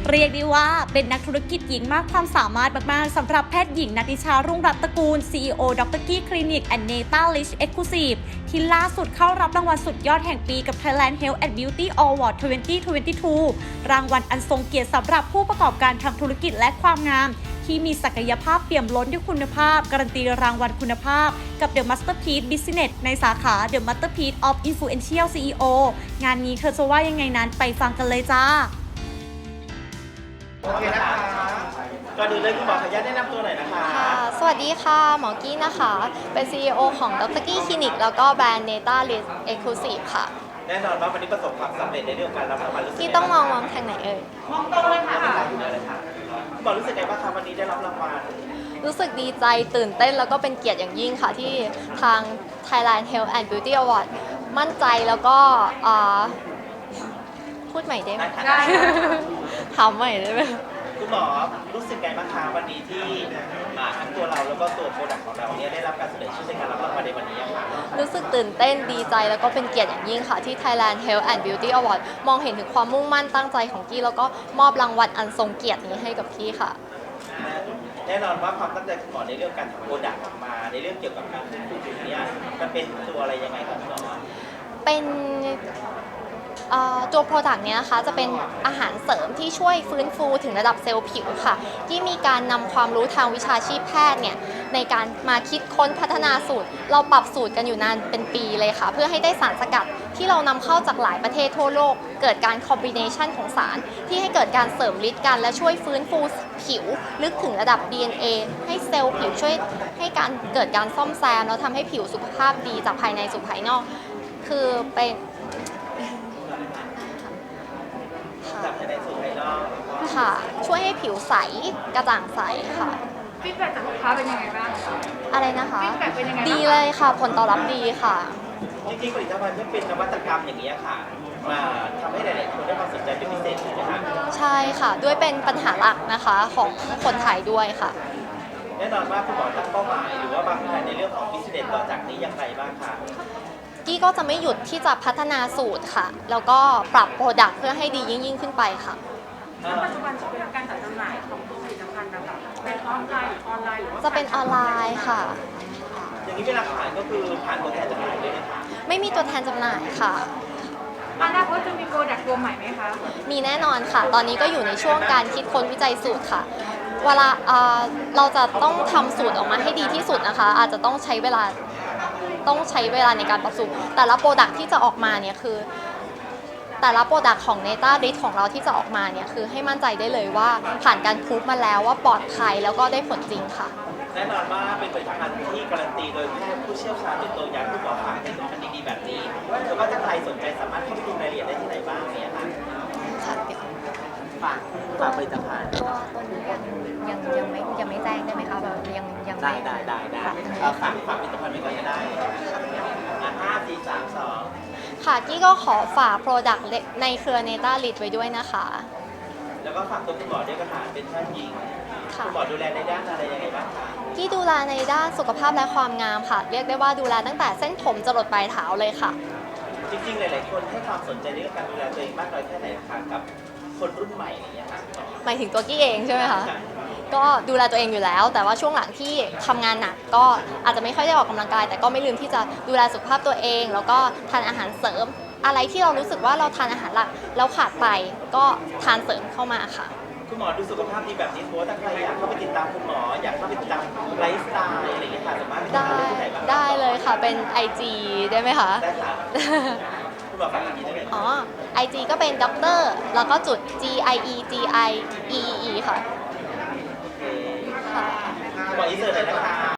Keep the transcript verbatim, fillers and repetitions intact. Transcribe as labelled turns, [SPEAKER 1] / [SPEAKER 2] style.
[SPEAKER 1] เรียกได้ว่าเป็นนักธุรกิจหญิงมากความสามารถมากๆสำหรับแพทย์หญิงนัทนิชารุ่งรัตน์ตระกูล ซี อี โอ ดร. กี้คลินิก แอนด์ เนต้า ลิช เอ็กซ์คลูซีฟ ที่ล่าสุดเข้ารับรางวัลสุดยอดแห่งปีกับ Thailand Health and Beauty Award สองพันยี่สิบสอง รางวัลอันทรงเกียรติสำหรับผู้ประกอบการทางธุรกิจและความงามที่มีศักยภาพเปี่ยมล้นด้วยคุณภาพการันตีรางวัลคุณภาพกับ The Masterpiece Business ในสาขา The Masterpiece of Influential ซี อี โอ งานนี้เธอจะว่ายังไงนั้นไปฟังกันเลยจ้า
[SPEAKER 2] โอเคนะคะก่อนอื่นเลยคุณหมอขออนุญาตแนะนำตัวหน่อยนะคะ
[SPEAKER 3] ค่ะสวัสดีค่ะหมอกี้นะคะ เป็น ซี อี โอ ของดร. กี้คลินิกแล้วก็แบรนด์ Neta List Exclusive ค่ะ
[SPEAKER 2] แน่นอนว่าวันนี้ประสบความสำเร็จในเรื่องการรับรางวัลรู้สึก
[SPEAKER 3] กี้ต้องมองมองทางไหนเอ่ย
[SPEAKER 2] มองตรงเลยค่ะเลยค่ะคุณหมอรู้สึกไงบ้างคะวันนี้ได้รับรางวัล
[SPEAKER 3] รู้สึกดีใจตื่นเต้นแล้วก็เป็นเกียรติอย่างยิ่งค่ะที่ทาง Thailand Health and Beauty Award มั่นใจแล้วก็พูดใหม่ได้ไหมได้ถามใหม่ได้ไหม
[SPEAKER 2] คุณหมอรู้สึกไงบ้างคะวันนี้ที่ทั้งตัวเราแล้วก็ตัวโปรดักต์ของเราเนี่ยได้รับการเสนอชื่อในการรับรางวัลในวันนี้ค่ะ
[SPEAKER 3] รู้สึกตื่นเต้นดีใจแล้วก็เป็นเกียรติอย่างยิ่งค่ะที่ Thailand Health and Beauty Award มองเห็นถึงความมุ่งมั่นตั้งใจของกี้แล้วก็มอบรางวัลอันทรงเกียรตินี้ให้กับกี้ค่ะ
[SPEAKER 2] แน่นอนว่าความตั้งใจคุณหมอในเรื่องการทำโปรดักต์ออกมาในเรื่องเกี่ยวกับการฟื้นฟูผิวเนี่ยมันเป็นตัวอะไรยังไงครับคุณหมอ
[SPEAKER 3] เป็นตัวโปรดักต์นี้นะคะจะเป็นอาหารเสริมที่ช่วยฟื้นฟูถึงระดับเซลล์ผิวค่ะที่มีการนำความรู้ทางวิชาชีพแพทย์เนี่ยในการมาคิดค้นพัฒนาสูตรเราปรับสูตรกันอยู่นานเป็นปีเลยค่ะเพื่อให้ได้สารสกัดที่เรานำเข้าจากหลายประเทศทั่วโลกเกิดการคอมบิเนชันของสารที่ให้เกิดการเสริมฤทธิ์กันและช่วยฟื้นฟูผิวลึกถึงระดับ ดี เอ็น เอ ให้เซลล์ผิวช่วยให้การเกิดการซ่อมแซมแล้วทำให้ผิวสุขภาพดีจากภายในสู่ภายนอกคือเป็น
[SPEAKER 2] จากภายในสู่ภายนอก
[SPEAKER 3] ค่ะช่วยให้ผิวใสกระจ่างใสค่ะ
[SPEAKER 4] ฟีดแบ็กจากลูกค้าเป็นยังไงบ้าง
[SPEAKER 3] อะไรนะคะ
[SPEAKER 4] ฟีดแบ็กเป็นยังไง
[SPEAKER 3] ดีเลยค่ะผลตอบรับดีค่ะ
[SPEAKER 2] จริงๆผลิตภัณฑ์ที่เป็นนวัตกรรมอย่างนี้ค่ะมาทำให้หลายๆคนได้ความสนใจเป็นพิเศษใช่ไหมคะ
[SPEAKER 3] ใช่ค่ะด้วยเป็นปัญหาหลักนะคะของคนไทยด้วยค่ะ
[SPEAKER 2] แน่นอนว่าคุณหมอตั้งเป้าหมายหรือว่าบางแผนในเรื่องของบิสเนสต่อจากนี้อย่างไรบ้างคะ
[SPEAKER 3] กี้ก็จะไม่หยุดที่จะพัฒนาสูตรค่ะแล้วก็ปรับโปรดักต์เพื่อให้ดียิ่งยิ่งขึ้นไปค่ะ
[SPEAKER 4] ปัจจุบันช่องทางการจัดจำหน่ายของผลิตภัณฑ์นะคะเป็นออนไลน์หรือออนไลน์หรือว่า
[SPEAKER 3] จะเป็นออนไลน์ค่ะ
[SPEAKER 2] อย่างนี้เวลาขายก็คือผ่านตัวแทนจำหน่ายด้วยนะคะ
[SPEAKER 3] ไม่มีตัวแทนจำหน่ายค่ะ
[SPEAKER 4] อนาคตจะมีโปรดักต์ตัวใหม่ไหมคะ
[SPEAKER 3] มีแน่นอนค่ะตอนนี้ก็อยู่ในช่วงการคิดค้นวิจัยสูตรค่ะเวลาเราจะต้องทำสูตรออกมาให้ดีที่สุดนะคะอาจจะต้องใช้เวลาต้องใช้เวลาในการปรับสูตรแต่ละโปรดักที่จะออกมาเนี่ยคือแต่ละโปรดักของ Neta List ของเราที่จะออกมาเนี่ยคือให้มั่นใจได้เลยว่าผ่านการพรูฟมาแล้วว่าปลอดภัยแล้วก็ได้ผลจริงค่ะ
[SPEAKER 2] แน่นอนว่าเป็นผลิตภัณฑ์ที่การันตีโดยแพทย์ผู้เชี่ยวชาญโดยตรงอย่างคุณหมอค่ะในผลิตภัณฑ์ดีๆแบบนี้แต่ว่าถ้าใครสนใจสามารถเข้าไปดูรายละเอียดได้ที่ไหนบ้างเนี่ยค่ะ
[SPEAKER 3] ค่ะเดี๋ยว
[SPEAKER 2] ฝากฝากผลิตภัณฑ์
[SPEAKER 3] ตัวตัวนี้ยังยังยังไม่ยังไม่แจ้งได้ไหมคะแบบยังยัง
[SPEAKER 2] ได้ได้ได้ได้ฝากฝากผลิตภัณฑ์ไว้ก่อนก็ได้ห้าสี่สามสอง
[SPEAKER 3] ค่ะกี้ก็ขอฝากโปรดักต์ในเครือ Neta List ไว้ด้วยนะคะ
[SPEAKER 2] แล้วก็ฝากตัวคุณหมอด้วยก็ค่ะเป็นแพทย์หญิงคุณหมอดูแลในด้านอะไรยังไงบ้างคะ
[SPEAKER 3] กี้ดูแลในด้านสุขภาพและความงามค่ะเรียกได้ว่าดูแลตั้งแต่เส้นผมจรดปลายเท้าเลยค่ะ
[SPEAKER 2] จริงๆหลายๆคนให้ความสนใจในเรื่องการดูแลตัวเองมากน้อยแค่ไหนคะกับคนรุ่นใหม่อะไรอย่างเงี้ยค่ะ
[SPEAKER 3] หมายถึงตัวกี้เองใช่ไหมคะก็ดูแลตัวเองอยู่แล้วแต่ว่าช่วงหลังที่ทำงานหนักก็อาจจะไม่ค่อยได้ออกกำลังกายแต่ก็ไม่ลืมที่จะดูแลสุขภาพตัวเองแล้วก็ทานอาหารเสริมอะไรที่เรารู้สึกว่าเราทานอาหารหลักแล้วขาดไปก็ทานเสริมเข้ามาค่ะ
[SPEAKER 2] คุณหมอดูสุขภาพดีแบบนี้โพสถ้าใครอยากเข้าไปติดตามคุณหมออยากเข้าไปติดตามไลฟ์สไตล์อะไรอย่างเงี้ยค่ะสามารถไปติดตามได้ที่ไหนบ้าง
[SPEAKER 3] ได้เลยค่ะเป็น ไอ จี ได้ไหมคะ
[SPEAKER 2] ได้ค่ะคุณหมอฝากอีกทีได้ไหม
[SPEAKER 3] อ๋อ ไอ จี ก็เป็นด็อกเตอร์แล้วก็จุด G I E G I E E E ค่ะ
[SPEAKER 2] ค่ะคุณหมออินเสิร์ตเลยนะคะ